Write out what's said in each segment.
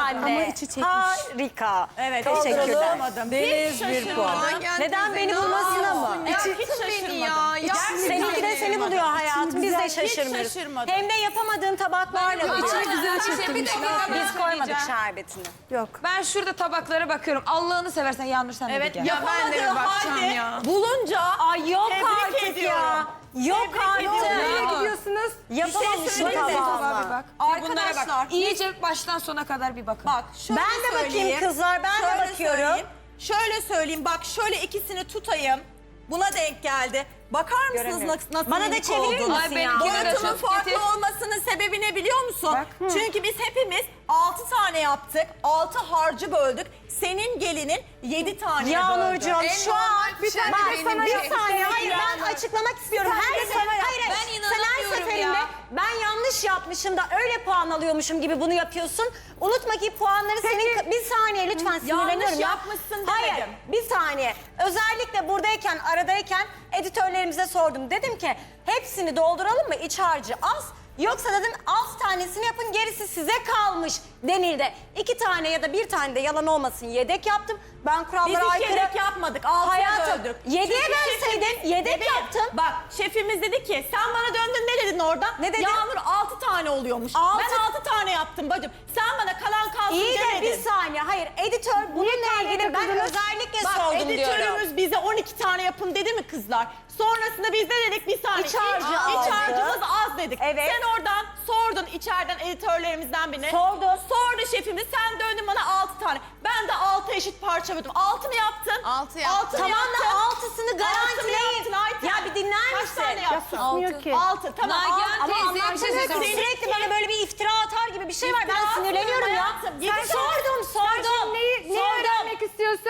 anne. Ama içi çekmiş. Harika. Evet, Teşekkürler. Deniz bir puan. Neden beni bulmasına mı? Ya hiç şaşırmadım. Seninki de seni buluyor hayatım. Biz de şaşırmıyoruz. şaşırmadım. Hem de yapamadığın tabaklarla buluyor. İçini güzel çekmiş. Biz koymadık şerbetini. Yok. Ben şurada tabaklara bakıyorum. Allah'ını seversen Yağmur sen de bir Evet, gel. ya ben de bir bakacağım ya. Bulunca Ay yok tebrik artık ediyorum. ya. Yok Tebrik artık. ediyorum. Nereye gidiyorsunuz? Yapamamışsın söyleyeyim mi? tabağımı. Bir bak. Arkadaşlar, Bunlara bak. İyice baştan sona kadar bir bakın. bak şöyle Ben de bakayım söyleyeyim. kızlar, ben de Şöyle bakıyorum. söyleyeyim. Şöyle söyleyeyim, bak şöyle ikisini tutayım. Buna denk geldi. Bakar mısınız Göremiyorum. nasıl Bana da minik çevirir oldu? misin Ay, ya? benimki de Boyutunun çok farklı getir. olmasının sebebi ne biliyor musun? Bak. Çünkü biz hepimiz 6 tane yaptık. 6 harcı böldük. Senin gelinin 7 tane Yağmurcuğum böldü. şu an bir tane bak, benim bir bir- saniye hayır ben açıklamak istiyorum. Her sefer hayır Ben sen her inanamıyorum seferinde ya. ben yanlış yapmışım da öyle puan alıyormuşum gibi bunu yapıyorsun. Unutma ki puanları senin bir saniye lütfen sinirleniyorum ya. yapmışsın Hayır demedim. bir saniye. Özellikle buradayken aradayken editörlerimize sordum. Dedim ki hepsini dolduralım mı iç harcı az. Yoksa dedim 6 tanesini yapın gerisi size kalmış denildi. 2 tane ya da 1 tane de yalan olmasın yedek yaptım. Ben Biz kurallara hiç aykırı... yedek yapmadık. 6'ya Hayatım, böldük. 7'ye Çünkü bölseydin, şefimiz- yedek Bebeğim, yaptın. Bak şefimiz dedi ki sen bana döndün ne dedin orada? Ne dedim? Yağmur 6 tane oluyormuş. Altı- Ben 6 tane yaptım bacım. Sen bana kalan kalsın İyi de demedin. bir saniye. Hayır editör bununla ilgili ben özellikle Bak sordum diyorum. editörümüz bize 12 tane yapın dedi mi kızlar? Sonrasında biz de dedik bir saniye. İç harcı İç azdı. harcımız az dedik. Evet. Sen oradan sordun içeriden editörlerimizden birine. Sordum. Sordu şefimiz sen döndün bana 6 tane. Ben de 6 eşit parça böldüm. 6 mı yaptın? 6 yaptım. Tamam da altısını garantileyin. yaptın Ayten? Ya bir dinler Kaç misin? tane yaptın? Susmuyor ki. 6 tamam. Nagihan Ama teyze bir şey anlatamıyorsun. söyleyeceğim. Sürekli bana böyle bir iftira atar gibi bir şey var. Ben İftira sinirleniyorum ya. atmıyorum hayatım. Sen sordum. Neyi öğrenmek istiyorsun?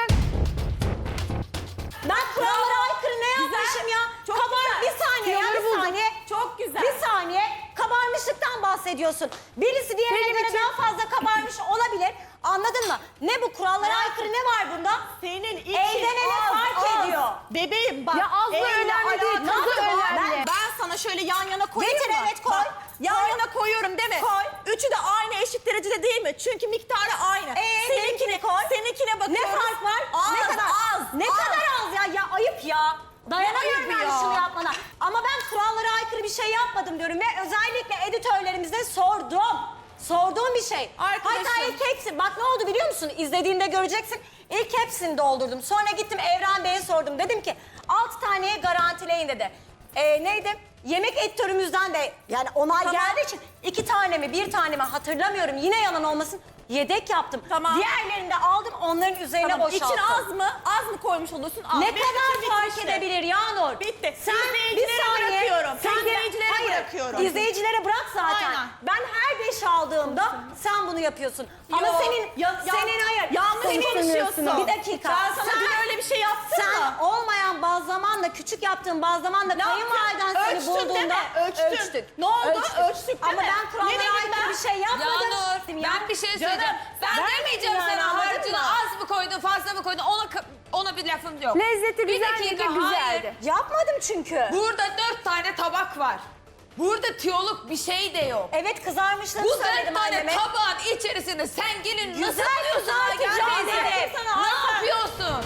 Ben kurallara aykırı ne yapmışım ya? Çok Kabar güzel. bir saniye ya Tüyoları bir buldum. saniye. Çok güzel. Bir saniye kabarmışlıktan bahsediyorsun. Birisi diğerine Benim göre için- daha fazla kabarmış olabilir. Anladın mı? Ne bu kurallara aykırı ne var bunda? Senin için Elden ele az, fark az. ediyor. Bebeğim bak. Ya az da elle önemli değil, alakalı tadı var. önemli. Ben sana şöyle yan yana koyayım Getir, mı? evet, koy. Bak, yan Koy. yana koyuyorum değil mi? Koy. Üçü de aynı eşit derecede değil mi? Çünkü miktarı aynı. benimkine koy. Seninkine Ne bakıyoruz. fark var? Az, ne kadar az. Ne kadar az ya? Ya ayıp ya. Dayanamıyorum Ne ayıp yani ya? şunu yapmana. Ama ben kurallara aykırı bir şey yapmadım diyorum ve özellikle editörlerimize sordum. Sorduğum bir şey. Arkadaşım. Hatta ilk hepsi, bak ne oldu biliyor musun? İzlediğinde göreceksin. İlk hepsini doldurdum. Sonra gittim Evren Bey'e sordum. Dedim ki 6 taneye garantileyin dedi. Neydi? Yemek editörümüzden de yani onay geldiği için 2 tane mi 1 tane mi hatırlamıyorum. Yine yalan olmasın. Yedek yaptım. Tamam. Diğerlerini de aldım onların üzerine Tamam. boşalttım. İçin az mı? Az mı koymuş olursun? Az. Ne Benim kadar için fark bitmişti. edebilir Yağnur? Bitti. Sen İzleyicilere bir saniye. bırakıyorum. Sen İzleyicilere hayır, bırakıyorum. İzleyicilere bırak zaten. Aynen. Ben her 5 aldığımda sen bunu yapıyorsun. Ama Yo, senin senin hayır. Yanlış Sen konuşuyorsun. Bir dakika. Ben sana dün öyle bir şey yaptın sen mı? olmayan bazlamanla küçük yaptığın bazlamanla Ne kayınvaliden yaptın? seni Ölçtün değil bulduğunda mi? Ölçtün. Ne oldu? Ölçtük değil Ama mi? ben Ne kurallara dedim aykırı ben? bir şey yapmadım. Yağnur ben bir şey söyleyeceğim. Canım, Ben vermedin demeyeceğim yani, sana anladın harcını mı? az mı koydun fazla mı koydun ona bir lafım yok. Lezzeti Bir güzel dakika, miydi? hayır. Güzeldi. Yapmadım çünkü. Burada 4 tane tabak var. Burada tiyoluk bir şey de yok. Evet kızarmışlığını Bu 4 söyledim tane anneme. tabağın içerisinde sen gelin nasıl Güzel buluyorsun kızartacağım Nagihan dedim teyze? sana, Ne Ayten. yapıyorsun?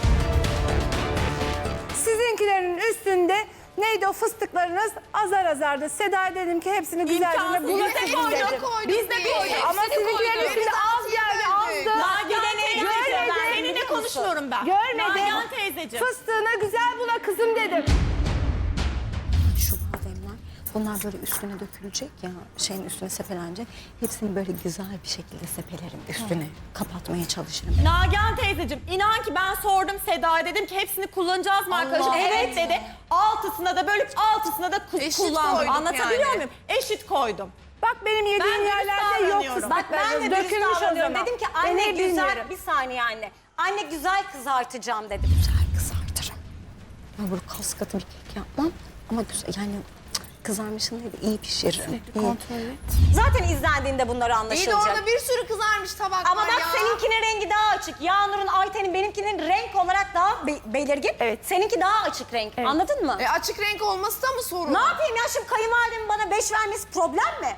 Sizinkilerin üstünde neydi o fıstıklarınız azar azardı. Seda dedim ki hepsini güzelce İmkansız. bulaşın dedim. Biz de koyduk. Ama Hepsini sizinkilerin koyduk. üstünde az geldi, azdı. Nagihan teyzeciğim. Görmedim. Seninle konuşmuyorum ben. Görmedim. Nagihan teyzeciğim. Fıstığına güzel bula kızım dedim. Şu bademler, bunlar böyle üstüne dökülecek ya, şeyin üstüne sepelenecek. Hepsini böyle güzel bir şekilde sepelerim üstüne, kapatmaya çalışırım. Nagihan teyzeciğim inan ki ben sordum Seda'ya dedim ki hepsini kullanacağız mı arkadaşım? Evet dedi. Altısına da bölüp altısına da Eşit kullandım. koyduk Anlatabiliyor yani. muyum? Eşit koydum. Bak benim Ben yediğim dürüst yerlerde yok davranıyorum. Bak ben de fıstıklarınız. dürüst Dökülmüş o davranıyorum. zaman. Dedim ki Ben anne ne güzel, bilmiyorum. bir saniye anne. Anne güzel kızartacağım dedim. Güzel kızartırım. Ben böyle kas katı bir kek yapmam ama güzel yani kızarmışını değil de iyi pişiririm. İyi. Zaten izlendiğinde bunları İyi de anlaşılacak. orada bir sürü kızarmış tabak Ama var bak ya. seninkinin rengi daha açık. Yağnur'un, Ayten'in, benimkinin renk olarak daha belirgin. Evet. Seninki daha açık renk. Anladın mı? Açık renk olması da mı sorun? Ne yapayım ya şimdi kayınvalidemin bana 5 vermesi problem mi?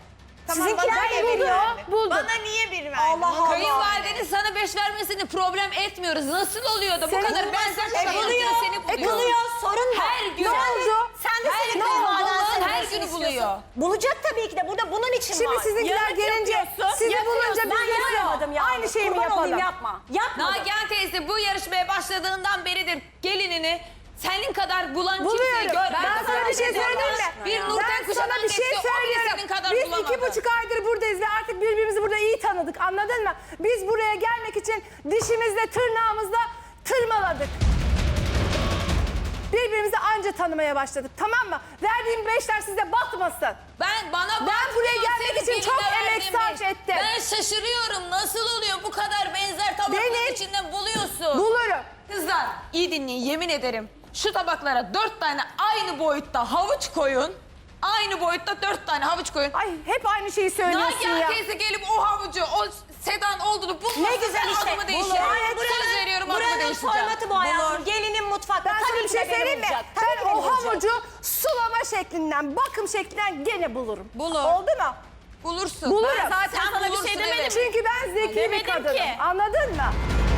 Sizinkiler de veriyor. Bana niye bir verdin? Allah Allah. Kayınvalidenin sana 5 vermesini problem etmiyoruz. Nasıl oluyor da bu kadar benzer Buluyor. seni Buluyor. Sorun mu? Her gün. Ne oldu? Sen de Her senin gün kayınvaliden buluyor, seni her nasıl gün istiyorsun? buluyor. Bulacak tabii ki de. Burada bunun için Şimdi var. sizinkiler Yanlış gelince yapıyorsun, sizi bulunca Ben biz de yapmadım ya. aynı şeyi mi Kurban olayım, yapalım? yapma. Yapmadım. Nagihan teyze bu yarışmaya başladığından beridir gelinini senin kadar bulan kimseyi Buluyorum. görmedim. Ben sana bir şey söyleyeyim mi? Bir Nurten Ben sana Kuşanan bir şey geçti, o bile söylüyorum. senin kadar Biz bulamadı. 2,5 aydır buradayız ve artık birbirimizi burada iyi tanıdık, anladın mı? Biz buraya gelmek için dişimizle tırnağımızla tırmaladık. Birbirimizi anca tanımaya başladık, tamam mı? Verdiğim 5'ler size batmasın. Ben buraya gelmek için çok emek sarf ettim. Ben şaşırıyorum. Nasıl oluyor bu kadar benzer tabakların Benim- içinden buluyorsun? Bulurum. Kızlar iyi dinleyin, yemin ederim. Şu tabaklara 4 tane aynı boyutta havuç koyun. Aynı boyutta 4 tane havuç koyun. Ay hep aynı şeyi söylüyorsun Nagihan ya. teyze gelip o havucu, o Sedan olduğunu bulmazsa Ne güzel ben işte. adımı değiştiririm. Söz veriyorum, adımı Buranın değiştireceğim. formatı bu hayatım. Gelinin mutfakta. Ben sana Tabii bir ki de şey beni söyleyeyim mi? bulacak. Tabii ki Ben beni o bulacak. havucu sulama şeklinden, bakım şeklinden gene bulurum. Bulur. Oldu mu? Bulursun. Bulurum. Ben zaten Sen sana bir bulursun, şey demedim. evet. Çünkü ben zeki bir Demedim kadınım. ki. Anladın mı?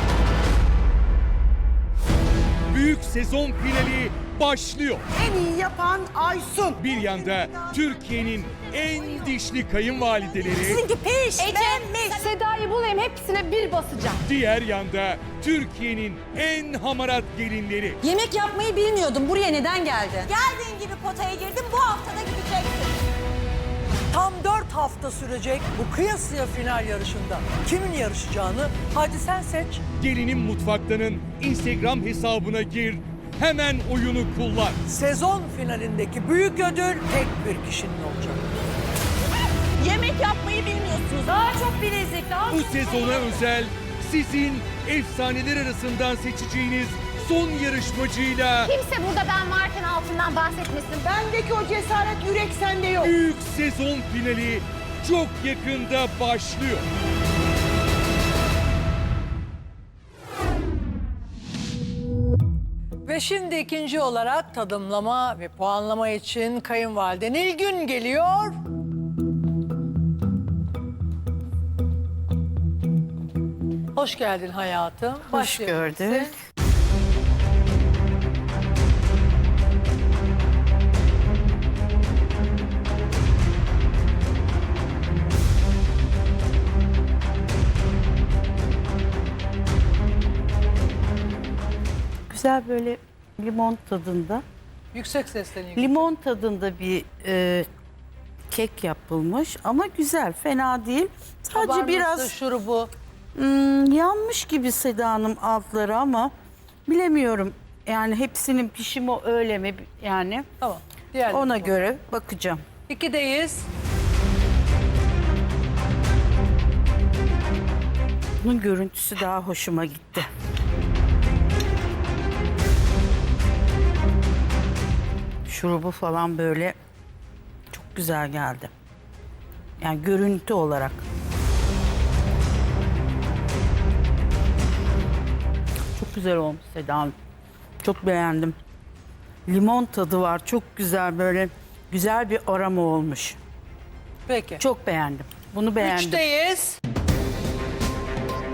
Büyük sezon finali başlıyor. En iyi yapan Aysun. Bir yanda Türkiye'nin en dişli kayınvalideleri, Sizinki pişmemiş. Seda'yı bulayım, hepsine bir basacağım. diğer yanda Türkiye'nin en hamarat gelinleri. Yemek yapmayı bilmiyordum. Buraya neden geldin? Geldiğin gibi potaya girdin. Bu haftada gideceksin. Tam 4 hafta sürecek bu kıyasıya final yarışında. Kimin yarışacağını hadi sen seç. Gelinin Mutfakta'nın Instagram hesabına gir, hemen oyunu kullan. Sezon finalindeki büyük ödül tek bir kişinin olacak. Yemek yapmayı bilmiyorsunuz. Daha çok bilezik, daha Bu sezona özel sizin efsaneler arasından seçeceğiniz son yarışmacıyla Kimse burada ben varken altından bahsetmesin. Bendeki o cesaret yürek sende yok. büyük sezon finali çok yakında başlıyor. Ve şimdi ikinci olarak tadımlama ve puanlama için kayınvalide Nilgün geliyor. Hoş geldin hayatım. Hoş gördük. Güzel böyle limon tadında, Yüksek sesle Nilgün. limon tadında bir kek yapılmış ama güzel, fena değil. Sadece Kabarması, biraz şurubu. yanmış gibi Seda Hanım altları ama bilemiyorum. Yani hepsinin pişimi öyle mi yani? Tamam. Diğerleri Ona bu. göre bakacağım. 2'deyiz. Bunun görüntüsü daha hoşuma gitti. Şurubu falan böyle çok güzel geldi. Yani görüntü olarak. Çok güzel olmuş Seda Hanım. Çok beğendim. Limon tadı var. Çok güzel böyle güzel bir aroma olmuş. Peki. Çok beğendim. Bunu beğendim. 3'teyiz.